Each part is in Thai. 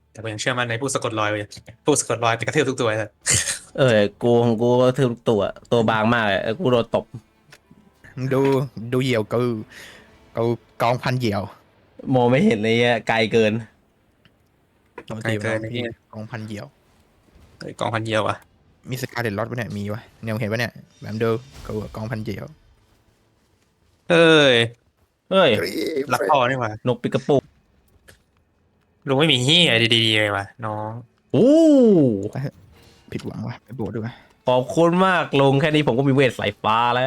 แต่ผมยังเชื่อมั่นในผู้สะกดรอยไว้ผู้สะกดรอยแต่กระทืบทุกตัวเลยเออกูของกูก็ถือตัวบางมากเลยกูโดนตบดูดูเหยี่ยวกูกองพันเหยี่ยวโมไม่เห็นเลยอะไกลเกินโอ้ไกลเกินไอ้เหี้ยกองพันเหยี่ยวเฮ้ยกองพันเยียวอ่ะมีสกาเลตล็อตปะเนี่ยมีวะเนี่ยเห็นปะเนี่ยแบบดูกูกองพันเหยี่ยวเฮ้ยเฮ้ยรักพ่อนี่หว่านกปิกาปูลุงไม่มีเฮียดีๆเลยว่ะน้องอู้ผิดหวังว่ะไปโบดด้วยขอบคุณมากลงแค่นี้ผมก็มีเวทสายฟ้าแล้ว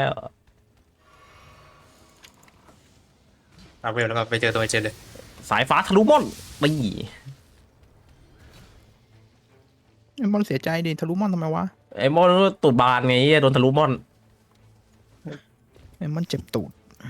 เอาเวลแล้วก็ไปเจอตัวไอเจนเลยสายฟ้าทะลุม่อนไม่ไอ้มอนเสียใจดิทะลุมอนทำไมวะไอ้มอนตูดบานไงโดนทะลุม่อนไอ้มอนเจ็บตูด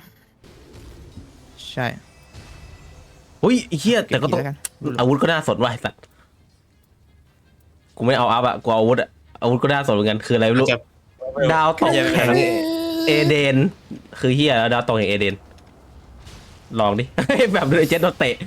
ใช่อุ้ยไอ้เหี้ยแต่ก็ต้องเบทีแล้วกันอาวุธก็น่าสนว่ะไอ้สัตว์กูไม่เอาอัพอะกูเอาอาวุธอะอาวุธก็น่าสนเหมือนกันคืออะไรไม่รู้จะดาวตกเหี้ยแห่งเอเดนคือเฮียแล้วดาวตกแห่งเอเดนลองดิ แบบเลยเจ็ตโดนเตะ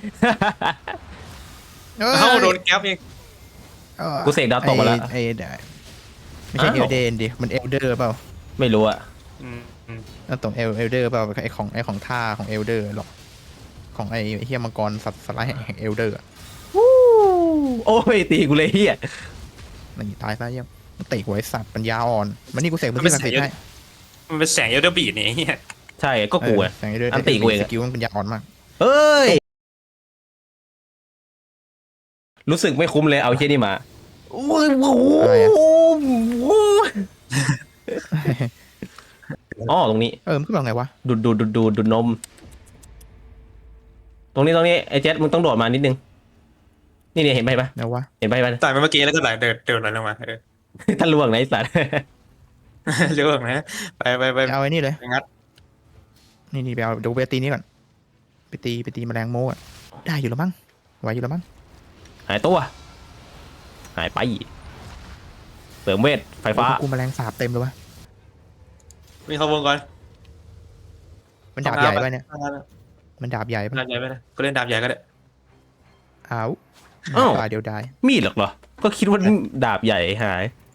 เอ้าโดนแก๊ปอีกกูเสกดาวตกมาแล้วไอ้ได้ไม่ใช่อ้าวเอลเดนดิมันเอลเดอร์เปล่าไม่รู้อะอืมอืมนั่นตรงเอลเดอร์เปล่าไอ้ของท่าของเอลเดอร์หรอกของไอ้เฮียมังกรสัตว์สไลด์แห่งเอลเดอร์โอ้ยตีกูเลยเฮียนี่ตายซะเยี่ยมมันเตะหัวไอ้สัตว์ปัญญาอ่อนมันนี่กูเสกมันที่ศักดิ์สิทธิ์ให้มันเป็นแสงเอลเดอร์บีดเนี่ยไอ้เฮียใช่ก็กูอะแสงเอลเดอร์อันติกูเองสอะกิลมันปัญญาอ่อนมากเอ้ย รู้สึกไม่คุ้มเลยเอาเฮียนี่มาโอ้ยโอ้โหอ๋อตรงนี้มันขึ้นมาไงวะดูดนม ตรงนี้ไอ้เจ็ตมึงต้องโดดมานิดนึงนี่เนี่ยเห็นไปปะไหนวะเห็นไปปะตายไปเมื่อกี้แล้วก็ไหลเดินไหลลงมาถ้าล่วงนะไอ้สัตว์เรื่องนะไปเอาไอ้นี่เลยไปงัดนี่ไปเอาเดี๋ยวไปตีนี้ก่อนไปตีแมลงโมอ่ะได้อยู่แล้วมั้งไหวอยู่แล้วมั้งหายตัวหายไปเสริมเวทไฟฟ้ากูแมลงสาบเต็มเลยวะมีเข้าวงก่อนมันดาบใหญ่ปะเนี่ยดามันดาบใหญ่ปะบใหญ่ไปนะก็เล่นดาบใหญ่ก็ได้อ้าวอ้าวตายเดียวดายมีดหรอกเหรอ ก็คิดว่าดาบใหญ่หาย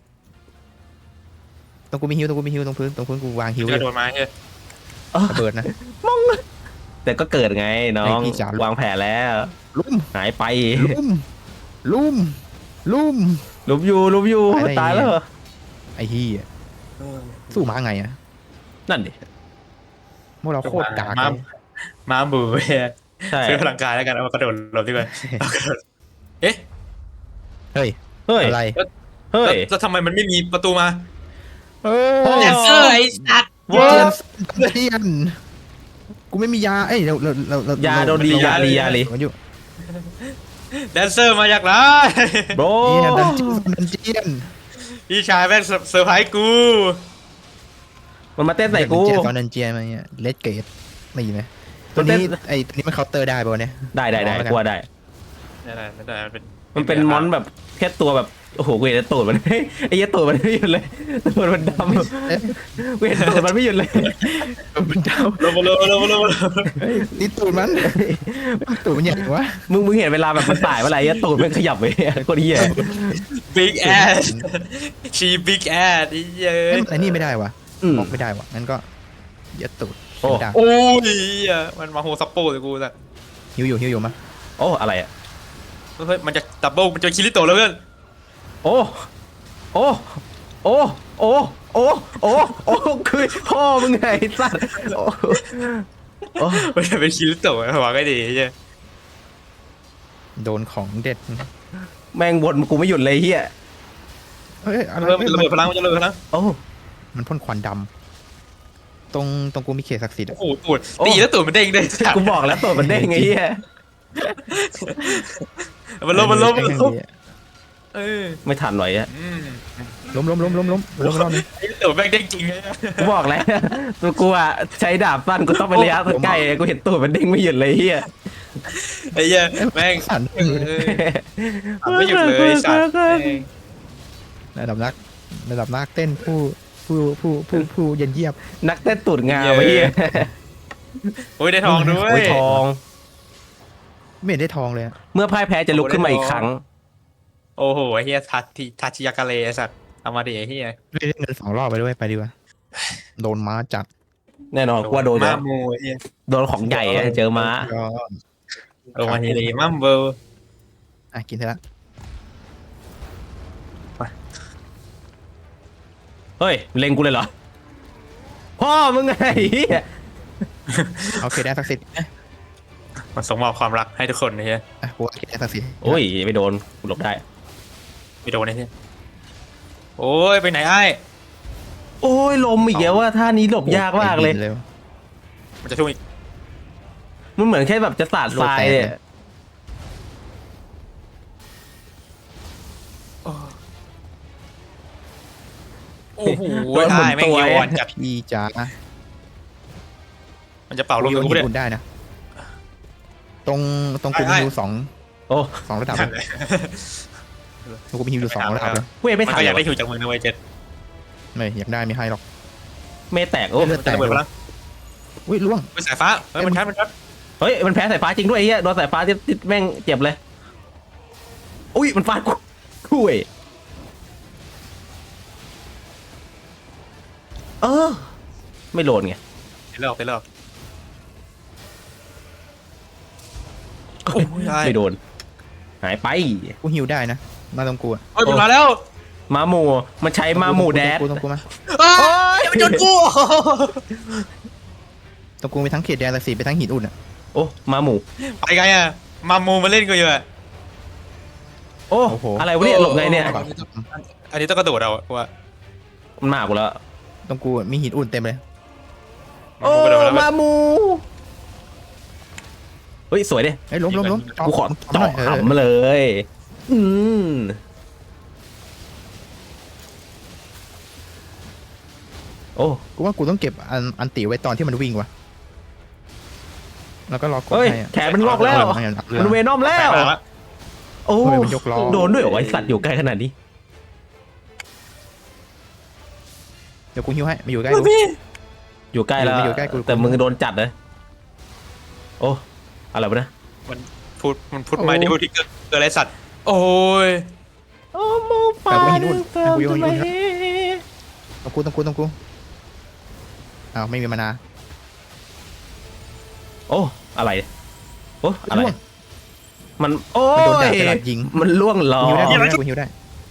ตรงกูมีฮิวตรงพื้นกูวางฮิวกระโดดมาเฮ้ยระเบิดนะแต่ก็เกิดไงน้องไอ้พี่จ๋าวางแผนแล้วลุ่มหายไปลุ่มลุมอยู่ตายได้ตายแล้วเหรอไอ้เฮียสู้ม้าไงอะนั่นดิพวกเราโคตรกากมาเลยมาบูเฮ้ยใช่ซื้อพลังกายแล้วกันเอามากระโดดหลบดีกว่าเอากระโดดเอ๊ะเฮ้ยเฮ้ยอะไรเฮ้ยแล้วทำไมมันไม่มีประตูมาเอโอ้แดนเซอร์ไอ้สัตว์ว้าเทียนกูไม่มียาเอ้ยเรายาโดนดียาลีมันอยู่แดนเซอร์มาจากไหนโบรเนี่ยดันเจียนพี่ชายแม่งเซอร์ไพรส์กูมันมาเต้นใส่กูตอนดันเจียนมาเนี่ยเลดเกตไม่ยินไหมตัวนี้ตัวนี้มันเคาน์เตอร์ได้ป่ะเนี่ยได้กลัวได้ไม่ได้มันเป็นมอนแบบแค่ตัวแบบโอ้โหกูเห็นแต่ตูดมัน ไอ้เหี้ยตูดมันไม่หยุดเลยตูดมันดำกูเห็นตูดมันไม่หยุดเลยมันเดาลงมานี่ตูดมันตูดมันใหญ่วะมึงเห็นเวลาแบบมันตายเมื่อไหร่ไอ้ตูดมันขยับไปโคตรเหี้ยบิ๊กแอสชีบิ๊กแอสไอ้เหี้ยไอ้นี่ไม่ได้วะอืมบอกไม่ได้วะงั้นก็ยัดตูดโอ้ดังโอ้ยมันมาโฮซัปโป้เลยกูสัตว์หิวอยู่มาโอ้อะไรอ่ะเฮ้ยมันจะดับเบิลมันจะคิริโตะแล้วเพื่อนโอ้โอ้โอ้โอ้โอ้โอ้โอ้คือพ่อมึงไงไอ้สัตว์โอ้โอ้มันจะเป็นคิริโตะหวังก็ดีใช่โดนของเด็ดแม่งบ่นกูไม่หยุดเลยเฮียเฮ้ยอะไรเริ่มระเบิดพลังมันจะระเบิดพลังโอ้มันพ่นควันดำตรงกูมีเขตศักดิ์สิทธิ์โอ้โหตูดตีแล้วตูดมันเด้งด้วยกูบอกแล้วตัวมันเด้งไงเฮียมันล้มเออไม่ทันไหวอ่ะล้มรอบนึงตูดแม่งเด้งจริงเลยกูบอกแล้วตัวกูอ่ะใช้ดาบสั้นกูต้องไประยะใกล้กูเห็นตัวมันเด้งไม่หยุดเลยเฮียไอ้เหี้ยแม่งสั่นไม่หยุดเลยสัตว์ระดับนักเต้นผู้เย็นเยียบนักเต้นตูดงามไอ้เฮียโอ้ยได้ทองด้วยโอ้ยทองไม่เห็นได้ทองเลยอะเมื่อพ่ายแพ้จะลุกขึ้นมาอีกครั้งโอ้โหไอ้เฮียทัชยากาเลไอ้สัตว์เอามาดิไอ้เฮียไม่ได้เงิน2 รอบไปด้วยไปดีกว่าโดนม้าจัดแน่นอนกว่าโดนมามูไอ้เฮียโดนของใหญ่อะเจอม้ายอดโอมาเฮลีมัมเบิลกินเถอะละเฮ้ยเล็งกูเลยเหรอพ่อมึงไงเหี้ยเอาเคได้ศักดิ์สิทธิ์มันส่งมอบความรักให้ทุกคนไอ้เฮียกูเอาเคได้ศักดิ์สิทธิ์โอ้ยไม่โดนกูหลบได้ไม่โดนไอ้เฮียโอ้ยไปไหนไอ้โอ้ยลมอีกแล้วว่าท่านี้หลบยากมากเลยมันจะช่วยอีกมันเหมือนแค่แบบจะสาดทรายเนี่ยโอ้โหไอ้ไม่เกี่ยวอ่อนจัดพี่จ๋ามันจะเป่าลมกูกับกูหิเลยนอุ่นได้นะ ตรงกูได้มีฮิวสองโอ้ระดับเลยตรงกูมีฮิวอยู่2 ระดับเลยเว้ยไม่มันทันก็อยากเลได้ยหิวจากมึงนะเว้ยเจ็ดไม่อยากได้ไม่ให้หรอกไม่แตกโอ้เลือดแตจะกเบิดพลังอุ้ยล่วงไปสายฟ้าเฮ้ยมันชัดเฮ้ยมันแพ้สายฟ้าจริงด้วยไอ้เหี้ยโดนสายฟ้าที่แม่งเจ็บเลยอุ้ยมันฟาดกูคุยไม่โดนไงเลิกโอ้ยไม่โดนหายไปกูฮิวได้นะมาตรงกูอะเฮ้ยมันมาแล้วมาหมูมันใช้มาหมูแดดตรงกูมาเฮ้ยมันจนกูตรงกูมีทั้งเขตแดนศักดิ์สิทธิ์ไปทั้งหินอุ่นอะโอ้มาหมูไปไงอ่ะมามูมาเล่นกูอยู่อ่ะโอ้อะไรวะเนี่ยหลบไงเนี่ยอันนี้ต้องกระโดดเอาว่ามันมากูแล้วตรงกูมีหินอุ่นเต็มเลยโอ้มาหมูเฮ้ยสวยดิเฮ้ยล้มกูขอหน่เจาะอยขำมาเลยโอ้กูว่ากูต้องเก็บอันติไว้ตอนที่มันวิ่งว่ะแล้วก็รอกดเฮ้ยให้อะแขนมันงอกแล้วมันเวนอมแล้ว โอ้ทำไมมันยกล้อโดนด้วยเหรอไอสัตว์อยู่ใกล้ขนาดนี้เดี๋ยวกูฮิวให้มาอยู่ใกล้กูอยู่ใกล้แล้วมันอยู่ใกล้กูแต่มึงโดนจัดเลยโอ้อะไรวะเนี่ยมันพูดไม่ได้พูดที่เกิดอะไรสัตว์โอ้ยโอ้โมปาแต่กูหินอุ่นแต่กูหินอุ่นตรงกูอ้าวไม่มีมานาโอ้อะไรโอ้อะไรล่วงมันโอ้มันโดนดาบยตลอดยิงมันล่วงหลอกูฮิวได้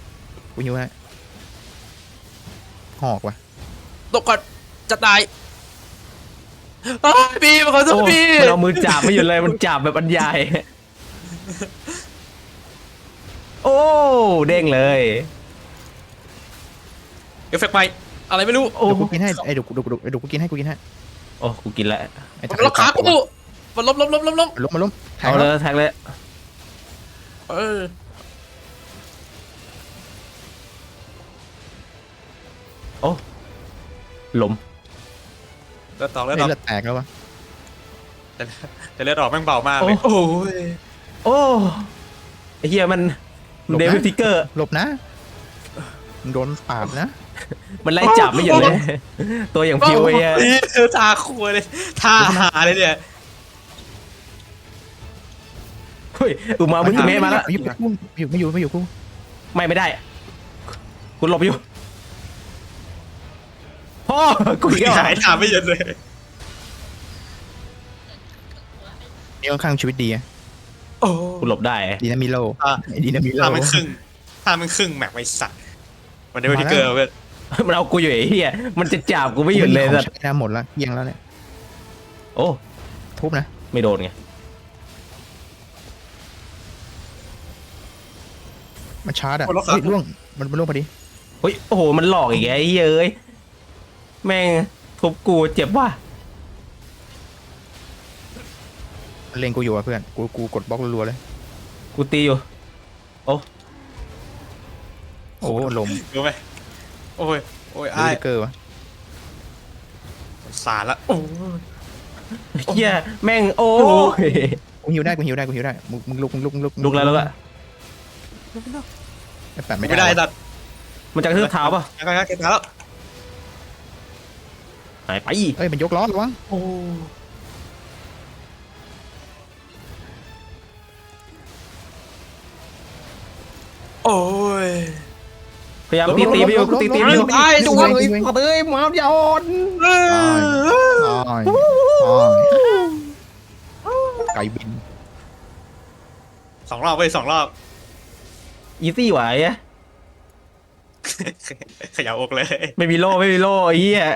หอกว่ะตกก่อนจะตายพี่มาขอโทโอ้ษพี่มันเอามือจับไม่หยุดเลยมันจับแบบบรรยายโอ้เด้งเลยเอฟเฟกต์ใหม่อะไรไม่รู้โอ้เดี๋ยวกูกินให้ไอ้ดูกูกินให้โอ้กูกินแล้วไอ้มันล็อกขากูมันล้มล้มแทงเอาแล้เลยว แทงเลยเออโอ้หลมเลือดตอกเลือดแตกแล้ววะแต่เลือดออกแม่งเบามากเลยโอ้ยโอ้ไอ้เฮียมันเดวิดทิกเกอร์หลบนะมึงโดนปาบนะมันไล่จับไม่หยุดเลย ตัวอย่างพิวไอ้เหี้ยทาครัวเลยทาหาเลยเนี่ยเฮ้ยอุมามุจิเมะมาแล้วไม่อยู่กูไม่ได้คุณหลบอยู่พ่อกูอีกแล้วหายทาไม่เย็นเลยนี่ค่อนข้างชีวิตดีอะโอ้กูหลบได้ดีนะมิโลทามันครึ่งแม็กไว้สัตว์มันได้ไปที่เกิร์ลเว้ยมันเอากูอยู่ไอ้เหี้ยมันจะจับกูไม่หยุดเลยสัสัตตว์ว์น้ำหมดแล้วเอียงแล้วเนี่ยโอ้ทุบนะไม่โดนไงมันชาร์จอ่ะล่วงมันล่วงพอดีเฮ้ยโอ้โหมันหลอกอีกไอ้เหี้ยเอ้ยแม่งทุบกูเจ็บว่ะเล็งกูอยู่อ่ะเพื่อนกูกดบล็อกรัวๆเลยกูตีอยู่โอ้ลมรู้ไหมโอ้ยดูอ้ายดิเกอร์วะสารละโอ้เหี้ยแม่งโอ้ยกูหิวได้มึงลุกลุกแล้วอะแต่ไม่ไม่ได้ได้ตัดมันจะกระทืบเท้าป่ะยังไงเก็บแล้วหายไปเอ้ยมันยกล้อระวังโอ้โอ้ยพยายามตีไปอยู่ตีไปอยู่ตายสวยเอ้ยมาอย่าอ่อนตายไก่บิน 2 รอบไป2 รอบอีซี่ไหวอะขยับอกเลยไม่มีโล่ไอ้เหี้ย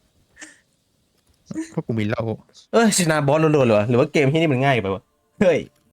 พวกกูมีเหล้าชนะบอสโดนๆเหรอหรือว่าเกมที่นี่มันง่ายไปวะเฮ้ย